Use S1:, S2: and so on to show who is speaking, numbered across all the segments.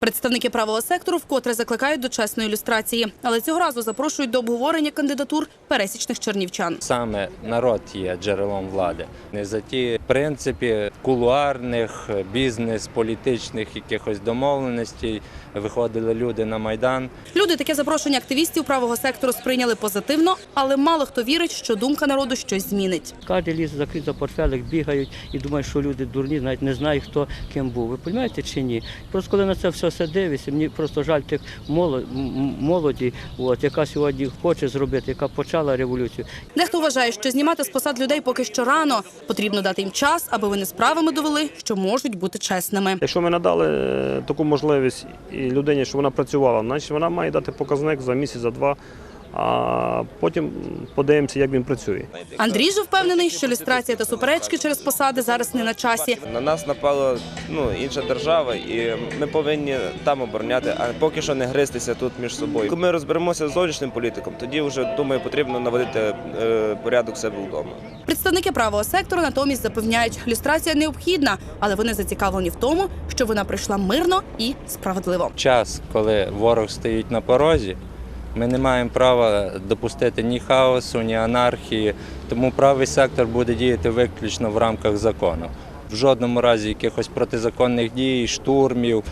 S1: Представники правого сектору вкотре закликають до чесної люстрації, але цього разу запрошують до обговорення кандидатур пересічних чернівчан.
S2: Саме народ є джерелом влади. Не за ті принципи кулуарних, бізнес-політичних якихось домовленостей виходили люди на Майдан.
S1: Люди таке запрошення активістів правого сектору сприйняли позитивно, але мало хто вірить, що думка народу щось змінить.
S3: Кожен ліс закрит за портфелик, бігають і думають, що люди дурні, навіть не знають, хто ким був. Ви розумієте чи ні? Просто коли на це все дивишся, мені просто жаль тих молоді, яка сьогодні хоче зробити, яка почала революцію.
S1: Дехто вважає, що знімати з посад людей поки що рано. Потрібно дати їм час, аби вони справами довели, що можуть бути чесними.
S4: Якщо ми надали таку можливість і людині, щоб вона працювала, значить вона має дати показник за місяць, за два, а потім подивимося, як він працює.
S1: Андрій же впевнений, що люстрація та суперечки через посади зараз не на часі.
S5: На нас напала інша держава, і ми повинні там обороняти, а поки що не гристися тут між собою. Коли ми розберемося з зовнішнім політиком, тоді вже, думаю, потрібно наводити порядок себе вдома.
S1: Представники правого сектору натомість запевняють, люстрація необхідна, але вони зацікавлені в тому, що вона прийшла мирно і справедливо.
S2: Час, коли ворог стоїть на порозі, ми не маємо права допустити ні хаосу, ні анархії, тому правий сектор буде діяти виключно в рамках закону. В жодному разі якихось протизаконних дій, штурмів,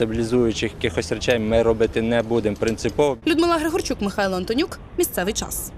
S2: дестабілізуючих якихось речей ми робити не будемо принципово.
S1: Людмила Григорчук, Михайло Антонюк. Місцевий час.